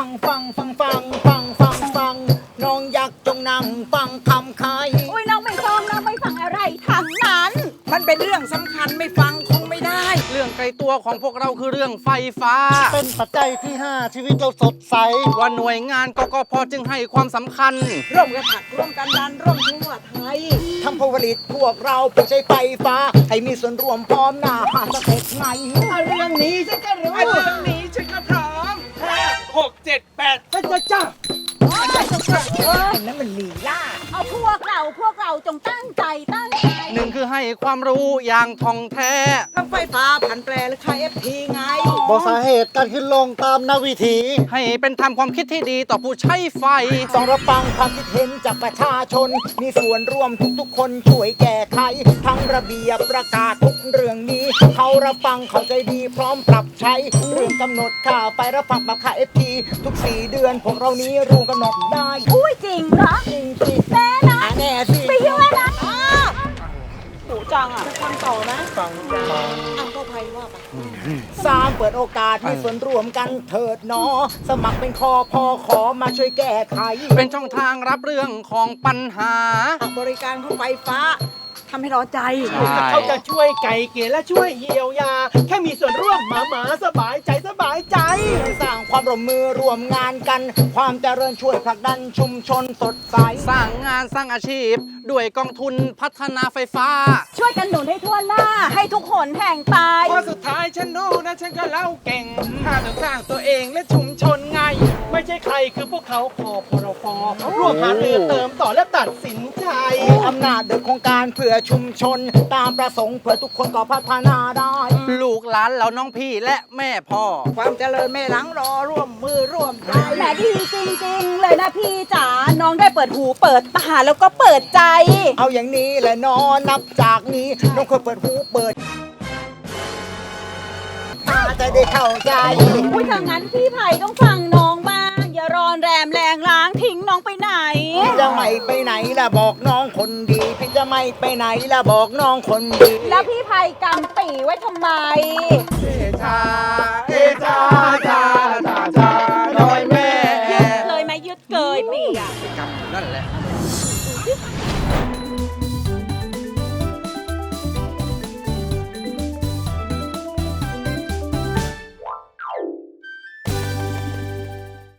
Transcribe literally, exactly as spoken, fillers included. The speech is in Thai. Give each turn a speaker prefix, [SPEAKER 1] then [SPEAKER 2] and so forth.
[SPEAKER 1] ฟังฟังฟังฟังฟังฟังน้องอยากจงนั่งฟังคำใคร
[SPEAKER 2] อุ้ยน้องไม่ฟังน้องไม่ฟังอะไรทั้งนั้น
[SPEAKER 3] มันเป็นเรื่องสำคัญไม่ฟังคงไม่ได้
[SPEAKER 4] เรื่องไกลตัวของพวกเราคือเรื่องไฟฟ้า
[SPEAKER 1] เป็นปัจจัยที่ห้าชีวิตเราสดใส
[SPEAKER 4] ว่าหน่วยงานกกพจึงให้ความสำคัญ
[SPEAKER 3] ร่วมกันผลักร่วมกันดันร่วมทั่วไทย
[SPEAKER 1] ทำผลผลิตพวกเราผู้ใช้ไฟฟ้า ให้มีส่วนร่วมพร้อมหน้าหาสเต็ปไงเรื่องนี้ฉันก็รู้
[SPEAKER 3] เรื่องนี้ฉันก็พร้อมห้าหกเจ็ดแปดฉันจะจ้า
[SPEAKER 1] อันนั้นมันลีลา
[SPEAKER 2] เอาพวกเราพวกเราจงตั้งใจตั้งใจ
[SPEAKER 4] หนึ่งคือให้ความรู้อย่างท่องแท้
[SPEAKER 3] ทั้งไฟฟ้าผันแปรและค่าเอฟทีไง
[SPEAKER 1] บอกสาเหตุการขึ้นลงตามนาวิถี
[SPEAKER 4] ให้เป็นธรรมความคิดที่ดีต่อผู้ใช้ไฟ
[SPEAKER 1] ต้องรับฟังความคิดเห็นจากประชาชน มีส่วนร่วมทุกๆคนช่วยแก้ไข ทั้งระเบียบประกาศทุกเรื่องนี้ เขารับฟังเข้าใจดีพร้อมปรับใช้ เรื่องกำหนดค่าไฟรับฟังปรับค่าเอฟทีทุกสี่เดือนพวกเรานี้รู้กำหนดได้
[SPEAKER 2] อุ้ยจริงเหรอ
[SPEAKER 1] จริงสิ
[SPEAKER 2] แน่นะ
[SPEAKER 1] อ่ะแน่สิ
[SPEAKER 2] ไปยุ่งแล้วนะ
[SPEAKER 3] หูจังอ่ะฟังต่อนะ
[SPEAKER 1] ฟังจ้า
[SPEAKER 3] อ้าวก็ไพว่าไป
[SPEAKER 1] สร้างเปิดโอกาสมีส่วนร่วมกันเถิดเนอ สมัครเป็นคอพอขอมาช่วยแก้ไข
[SPEAKER 4] เป็นช่องทางรับเรื่องของปัญหา
[SPEAKER 3] บริการของไฟฟ้าทำให้ร้อนใจ
[SPEAKER 4] ใช่
[SPEAKER 5] เขาจะช่วยไก่เกลี่ยและช่วยเยียวยา แค่มีส่วนร่วมหมาหมาสบายใจสบายใจ
[SPEAKER 1] สร้างความร่วมมือร่วมงานกัน ความเจริญช่วยผลักดันชุมชนสดใส
[SPEAKER 4] สร้างงานสร้างอาชีพ ด้วยกองทุนพัฒนาไฟฟ้า
[SPEAKER 2] ช่วยกันหนุนให้ทั่วหน้า ให้ทุกคนแห่งไป
[SPEAKER 5] พอสุดท้ายฉันรู้นะฉันก็เล่าเก่งถ้าต้องสร้างตัวเองและชุมชนไง ไม่ใช่ใครคือพวกเขาคอพรฟร่วมหารือเติมต่อและตัดสินใจ
[SPEAKER 1] มีอำนาจโดยโครงการเพื่อชุมชน ตามประสงค์เพื่อทุกคนก็พัฒนาได้
[SPEAKER 4] ลูกหลานเราน้องพี่และแม่พ่อ
[SPEAKER 3] ความเจริญไม่หลังรอร่วมมือร่วมใจ
[SPEAKER 2] แหมดีจริงๆ เลยนะพี่จ๋า น้องได้เปิดหูเปิดตาแล้วก็เปิดใจ
[SPEAKER 1] เอาอย่างนี้แหละนอนนับจากนี้น้องควรเปิดหูเปิดตาจะได้เข้าใจ
[SPEAKER 2] อุ้ยถ้างั้นพี่ไผ่ต้องฟังน้องบ้าง อย่ารอนแรมแรงล้างทิ้งน้องไปไหน
[SPEAKER 1] พี่จะไม่ไปไหนล่ะบอกน้องคนดี พี่จะไม่ไปไหนล่ะบอกน้องคนดี
[SPEAKER 2] แล้วพี่ไผ่กำปีไว้ทำไม
[SPEAKER 5] เอชา เอชาชาชาชา